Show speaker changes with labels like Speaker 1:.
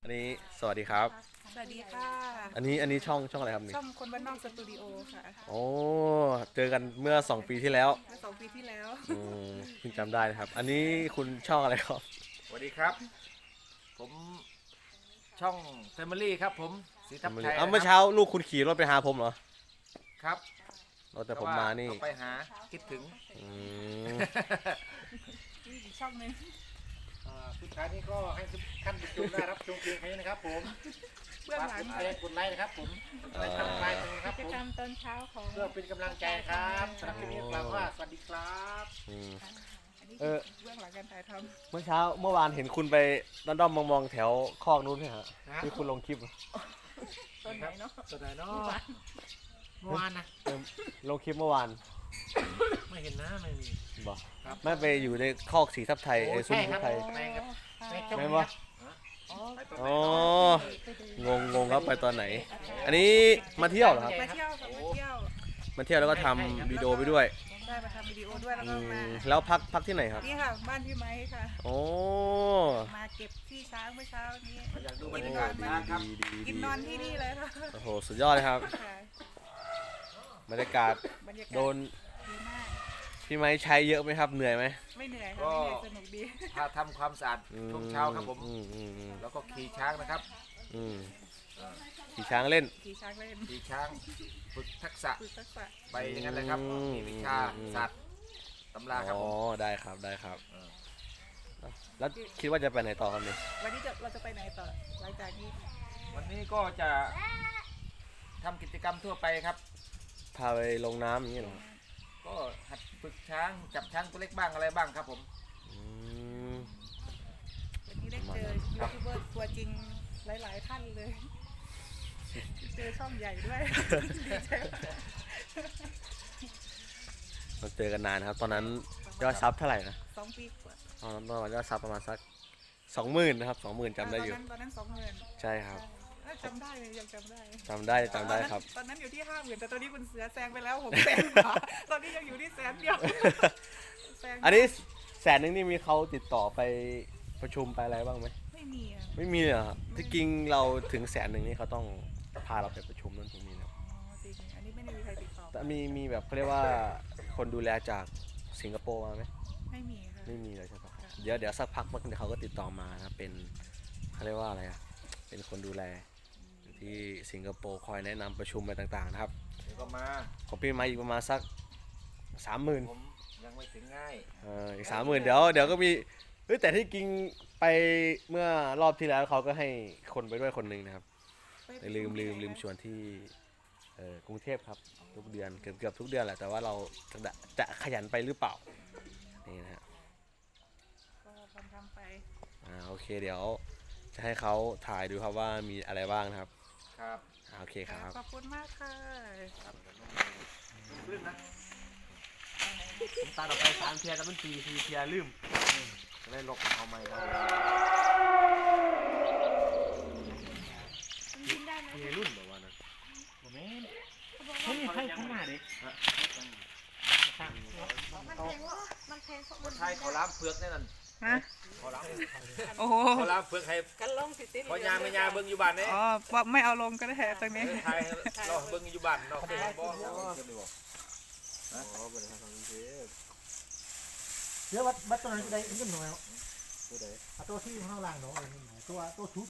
Speaker 1: อันนี้สวัสดีครับ
Speaker 2: สวัสดีค่ะ
Speaker 1: อันนี้ช่องอะไรครับนี่
Speaker 2: ช่องคนบ้านนอกสตูดิโอค่ะ
Speaker 1: โอ้เจอกันเมื่อ2 ปีที่แล้ว
Speaker 2: เมื่อ2 ปีที่แล้ว
Speaker 1: อืเพิ่งจำได้นะครับ อันนี้คุณช่องอะไรครับ
Speaker 3: สวัสดีครับผมช่อง Family ครับผมศรีทับไทย
Speaker 1: เมื่อเช้าลูกคุณขี่รถไปหาผมเหรอ
Speaker 3: ครับ
Speaker 1: แต่ผมมานี่
Speaker 3: ไปหาคิดถึง
Speaker 1: อืม
Speaker 2: นี่อีกช่องหนึง
Speaker 3: สุดท้ายนี้ก็ให้ทุกท่านผู้ชมได้รับชมเพียงแค่นี้นะครับผม
Speaker 2: เบื้องหลัง
Speaker 3: กดไลค์นะครับผมกดไลค์ทำไลค์นะครับผม
Speaker 2: กิจกรรมตอนเช้าของ
Speaker 3: เพื่อเป็นกำลังใจครับสำหรับคลิปนี้กล่าวว่าสวัสดีครับ
Speaker 2: อันนี้คือเบื้องหลังการถ่ายท
Speaker 1: เมื่อวานเห็นคุณไปด้อมมองแถวคอกนู้นใช่ฮะที่คุณลงคลิป
Speaker 2: ำตอนไหนเนาะ
Speaker 3: สวัสดีเนาะเมื่อวานนะ
Speaker 1: ลงคลิปเมื่อวาน
Speaker 3: ไม่เห็นนะไม่มี
Speaker 1: บอกไม่ไปอยู่ในคอกสีทับไทยไอ้ซุ้มทับไทย แม่นปะอ๋องงครับไปตอนไหน อันนี้มาเที่ยวเหรอครับ
Speaker 2: มาเที่ยวค่ะมาเที่ยว
Speaker 1: มาเที่ยวแล้วก็ทำวิดีโอไปด้วย
Speaker 2: ได้มาทำวิดีโอด้วยแล้วก็มา
Speaker 1: แล้วพักที่ไหนครับ
Speaker 2: นี่ค่ะบ้านพี่ไม้ค่ะ
Speaker 1: โอ้
Speaker 2: มาเก็บที่ช้างเมื่อเช้านี้
Speaker 3: อยากดูบร
Speaker 2: กิ
Speaker 3: ร
Speaker 2: น
Speaker 3: ยาน
Speaker 2: อก
Speaker 3: าศ
Speaker 2: น
Speaker 3: นะครับ
Speaker 2: กินนอนที่นี่เลยค่ะ
Speaker 1: โอ้โหสุดยอดเลยครับ
Speaker 2: ค่ะ
Speaker 1: บรรยากาศ
Speaker 2: บรรยากาศ
Speaker 1: โดน
Speaker 2: ดีมาก
Speaker 1: พี่ไม้ใช้เยอะไหมครับเหนื่อยไหม
Speaker 2: ไม่เหนื่อยค่ะไม่เหนื่อยสนุกดี
Speaker 3: พาทำความสะอาดช่วงเช้าครับผม แล้วก็ขี่ช้างนะครับ
Speaker 1: อืมขี่ช้างเล่น
Speaker 2: ขี่ช้างเล่น
Speaker 3: ขี่ช้างฝึกทักษะ
Speaker 2: ฝึกทักษะ
Speaker 3: ไปอย่างนั้นเลยครับ มีวิชาศาสตร์ตำราครับ
Speaker 1: อ๋อ
Speaker 3: ผม
Speaker 1: ได้ครับได้ครับ
Speaker 3: เออ
Speaker 1: แล้วคิดว่าจะไปไหนต่อครับเนี่ย
Speaker 2: วันนี้เราจะไปไหนต่อหลังจากนี้
Speaker 3: วันนี้ก็จะทำกิจกรรมทั่วไปครับ
Speaker 1: พาไปลงน้ำอย่างนี้เหรอ
Speaker 3: ก็หัดฝึกช้างจับช้างตัวเล็กบ้างอะไรบ้างครับผม
Speaker 1: อืม
Speaker 2: วันนี้ได้เจอยูทูบเบอร์ตัวจริงหลาย ๆ ท่านเลย เจอช่องใหญ่ด้วยดีใจ
Speaker 1: เราเจอกันนานครับ ตอนนั้นยอดซับเท่าไหร่นะ
Speaker 2: 2 ปีกว่า
Speaker 1: ตอนนั้นประมาณยอดซับประมาณสัก20,000นะครับ20,000จำได้อยู่
Speaker 2: ตอนนั้น20,000
Speaker 1: ใช่ครับ
Speaker 2: จำได้เลยยังจำได้
Speaker 1: จำได้ครับ
Speaker 2: ตอนนั้นอยู่ที่50,000แต่ตอนนี้คุณเสือแซงไปแล้ว600,000 กว่าตอนนี้ยังอยู่ที่100,000แซง
Speaker 1: อันนี้100,000นี่มีเขาติดต่อไปประชุมไปอะไรบ้างไหม
Speaker 2: ไม่มีอ่ะ
Speaker 1: ไม่มีเลยเหรอครับที่จริงเราถึง100,000นี่เขาต้องพาเราไปประชุมนั่นตรงนี้นะ
Speaker 2: อ๋อจริงอันนี้ไม่ได้มีใครติดต่อ
Speaker 1: แต่มีแบบเขาเรียกว่าคนดูแลจากสิงคโปร์มาไหม
Speaker 2: ไม่มีค่ะ
Speaker 1: ไม่มีเลยใช่ปะเดี๋ยวสักพักมันเดี๋ยวเขาก็ติดต่อมานะเป็นเขาเรียกว่าอะไรอ่ะเป็นคนดูแลอยู่ที่สิงคโปร์คอยแนะนำประชุมอะไรต่างๆนะครับ
Speaker 3: เดี๋ยวก็มา
Speaker 1: ของพี่มาอีกประมาณสัก30,000
Speaker 3: ผมยังไม่ถึงง่าย
Speaker 1: อีก30,000เดี๋ยวก็มีแต่ที่จริงไปเมื่อรอบที่แล้วเขาก็ให้คนไปด้วยคนหนึ่งนะครับแต่ลืมชวนที่กรุงเทพครับทุกเดือนเกือบทุกเดือนแหละแต่ว่าเราจะขยันไปหรือเปล่านี่นะฮะ
Speaker 2: ก็ทำไป
Speaker 1: โอเคเดี๋ยวจะให้เขาถ่ายดูครับว่ามีอะไรบ้างนะครับ
Speaker 3: ครับ
Speaker 1: โอเคครับ
Speaker 2: ขอบคุณมากค่ะ
Speaker 3: ลื่นนะ
Speaker 1: ผมตาออกไป3 เทียร์แล้วมัน4 เทียร์ลืมจะได้ลบเอาใหม่เรา
Speaker 2: กินได้ไหม
Speaker 1: เทียร์รุ่นแบบว่านะ
Speaker 3: ผมไม่มีใครข้างหน้าดิ
Speaker 2: มันแพงเพราะ
Speaker 3: คนไทยเขาล้างเปลือกแน่นอน
Speaker 2: ฮะ
Speaker 3: เขาล้าง
Speaker 2: โอ้โห
Speaker 3: เขาล้างเปลือกให้
Speaker 2: กันลงสิติด
Speaker 3: พอยาไม่ยาเบิ่งอยู่บ้านเนี่ย
Speaker 2: อ๋อว่าไม่เอาลงก็ได้ตรงนี้
Speaker 3: ไทยเราเบิ่งอยู่บ้านเนาะบ่
Speaker 4: เดี๋ยววัดตัวนั้นจะได้เงินหน่อยตัวที่ข้างล่างเนาะตัวชุบ